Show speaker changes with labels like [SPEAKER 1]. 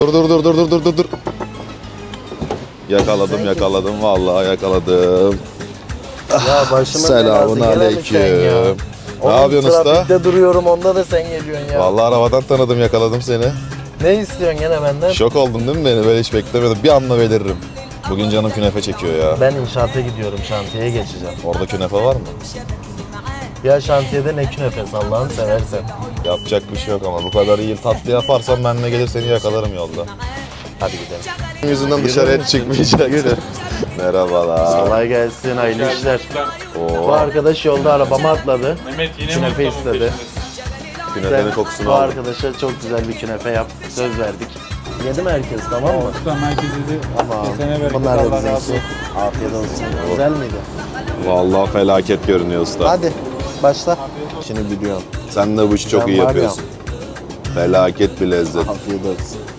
[SPEAKER 1] Dur. Yakaladım vallahi yakaladım.
[SPEAKER 2] Ya başıma
[SPEAKER 1] Selamun aleyküm. Ne yapıyorsun usta?
[SPEAKER 2] Trafikte duruyorum, onda da sen geliyorsun ya.
[SPEAKER 1] Vallahi arabadan tanıdım, yakaladım seni.
[SPEAKER 2] Ne istiyorsun gene benden?
[SPEAKER 1] Şok oldun değil mi beni? Böyle hiç beklemedim. Bir anda beliririm. Bugün canım künefe çekiyor ya.
[SPEAKER 2] Ben inşaata gidiyorum, şantiyeye geçeceğim.
[SPEAKER 1] Orada künefe var mı?
[SPEAKER 2] Ya şantiyede ne künefesi Allah'ını seversen.
[SPEAKER 1] Yapacak bir şey yok ama bu kadar iyi tatlı yaparsan benimle gelir seni yakalarım yolda.
[SPEAKER 2] Hadi gidelim.
[SPEAKER 1] Yüzünden dışarıya
[SPEAKER 2] Yürü.
[SPEAKER 1] çıkmayacak.
[SPEAKER 2] Yürü.
[SPEAKER 1] Merhabalar.
[SPEAKER 2] Kolay gelsin, hayırlı işler.
[SPEAKER 1] Oo,
[SPEAKER 2] Bu arkadaş yolda arabama atladı.
[SPEAKER 3] Mehmet yine
[SPEAKER 2] Künefe
[SPEAKER 3] Mustafa'nın
[SPEAKER 2] istedi.
[SPEAKER 3] peşindesin.
[SPEAKER 1] künefenin
[SPEAKER 2] Sen
[SPEAKER 1] kokusunu
[SPEAKER 2] bu
[SPEAKER 1] aldım.
[SPEAKER 2] arkadaşa çok güzel bir künefe yap. Söz verdik. Yedi mi herkes, tamam mı?
[SPEAKER 3] Usta merkezi de
[SPEAKER 2] Tamam.
[SPEAKER 3] kesene bereket,
[SPEAKER 2] Bunlar da
[SPEAKER 3] Allah
[SPEAKER 2] bize
[SPEAKER 3] razı
[SPEAKER 2] olsun.
[SPEAKER 3] olsun.
[SPEAKER 2] Afiyet olsun. Güzel miydi?
[SPEAKER 1] Vallahi felaket görünüyor usta.
[SPEAKER 2] Hadi başla. Şimdi biliyorum.
[SPEAKER 1] Sen de bu işi çok
[SPEAKER 2] Ben
[SPEAKER 1] iyi
[SPEAKER 2] var ya.
[SPEAKER 1] yapıyorsun. Felaket bir lezzet.
[SPEAKER 2] Afiyet olsun.